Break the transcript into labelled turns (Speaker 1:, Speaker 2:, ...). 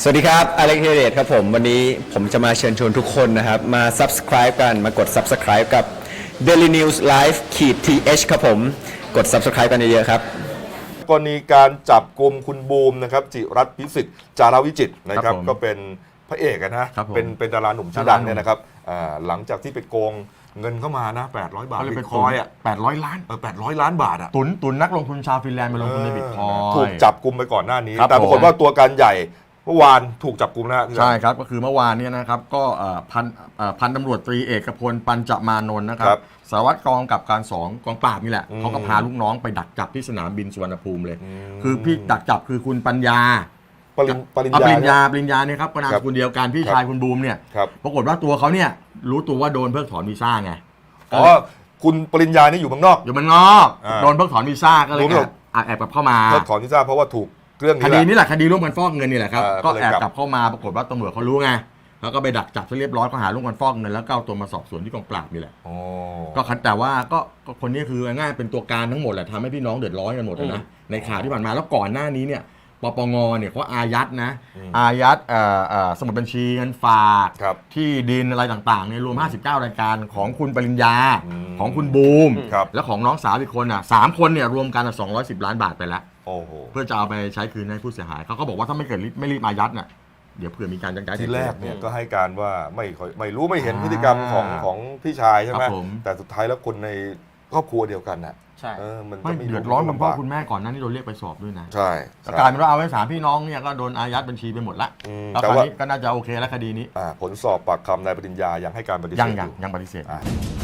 Speaker 1: วัสดีครับอเล็กเฮเดตครับผมวันนี้ผมจะมาเชิญชวนทุกคนนะครับมา subscribe กันมากด subscribe กับ Daily News Live th ครับผมกด subscribe กันเยอะๆครับ
Speaker 2: กรณีการจับกลุ่มคุณบูมนะครับจิรัตน์พิสิทธิ์จารวิจิตรนะครับก็เป็นพระเอกนะเป็นดาราหนุ่มชื่อดังเนี่ยนะครับหลังจากที่ไปโกงเงินเข้ามานะ800 บาทบิตคอยน์
Speaker 3: 800 ล้าน
Speaker 2: 800 ล้านบาท
Speaker 3: ตุนนักลงทุนชาวฟินแลนด์มาลงทุนในบิตคอยน์
Speaker 2: ถูกจับกลุ่มไปก่อนหน้านี้แต่ปรากฏว่าตัวการใหญ่เมื่อวานถูกจับกลุ่มนะ
Speaker 3: ใช่ครับก็คือเมื่อวานนี้นะครับก็พันตำรวจตรีเอกพลปัญจมานนท์นะครับสารวัตรกองกับการ2กองปราบนี่แหละเขาก็พาลูกน้องไปดักจับที่สนามบินสุวรรณภูมิเลยคือพี่ดักจับคือคุณปัญญาปริญญาเนี่ยครับก็นามสกุลเดียวกันพี่ชายคุณบูมเนี่ยปรากฏว่าตัวเขาเนี่ยรู้ตัวว่าโดนเพิกถอนวีซ่าไง
Speaker 2: อ๋อคุณปริญญานี่อยู่เมืองนอก
Speaker 3: โดนเพิกถอนวีซ่าก็เลยแอบกลับเข้ามา
Speaker 2: เพิกถอนวีซ่าเพราะว่าถูกเรื่อง
Speaker 3: คดีนี้แหละคดีร่วมกันฟอกเงินนี่แหละครับก็แอบกลับเข้ามาปรากฏว่าตำรวจเขารู้ไงแล้วก็ไปดักจับซะเรียบร้อยข้อหาร่วมกันฟอกเงินแล้วก็เอาตัวมาสอบสวนที่กองปราบนี่แหละก็แต่ว่าก็คนนี้คือง่ายเป็นตัวการทั้งหมดแหละทำให้พี่น้องเดือดร้อนกันหมดนะในข่าวที่ผ่านมาแล้วก่อนหน้านี้เนี่ยปปงเนี่ยเขาอายัดสมุดบัญชีเงินฝากที่ดินอะไรต่างๆเนี่ยรวม59รายการของคุณปริญญาของคุณบูมและของน้องสาวอีกคน3คนเนี่ยรวมกัน210 ล้านบาทไปแล้วเพื่อจะเอาไปใช้คืนให้ผู้เสียหายเขาก็บอกว่าถ้าไม่รีบอายัดเนี่ยเดี๋ยวเผื่อมีการยักย้าย
Speaker 2: ทีแรกเนี่ยก็ให้การว่าไม่รู้ไม่เห็นพฤติกรรมของพี่ชายใช่ไหมแต่สุดท้ายแล้วคนในครอบครัวเดียวกันน่ะ
Speaker 3: ใช่ไม่เดือดร้อนคุณพ่อคุณแม่ก่อนนั้นที่โดนเรียกไปสอบด้วยนะ
Speaker 2: ใช่
Speaker 3: กลายเป็นว่าเอาไว้3พี่น้องเนี่ยก็โดนอายัดบัญชีไปหมดละแล้วคราวนี้ก็น่าจะโอเคแล้วคดีนี้
Speaker 2: ผลสอบปากคำนายปริญญายังให้การปฏิเสธ
Speaker 3: ยังปฏิเสธ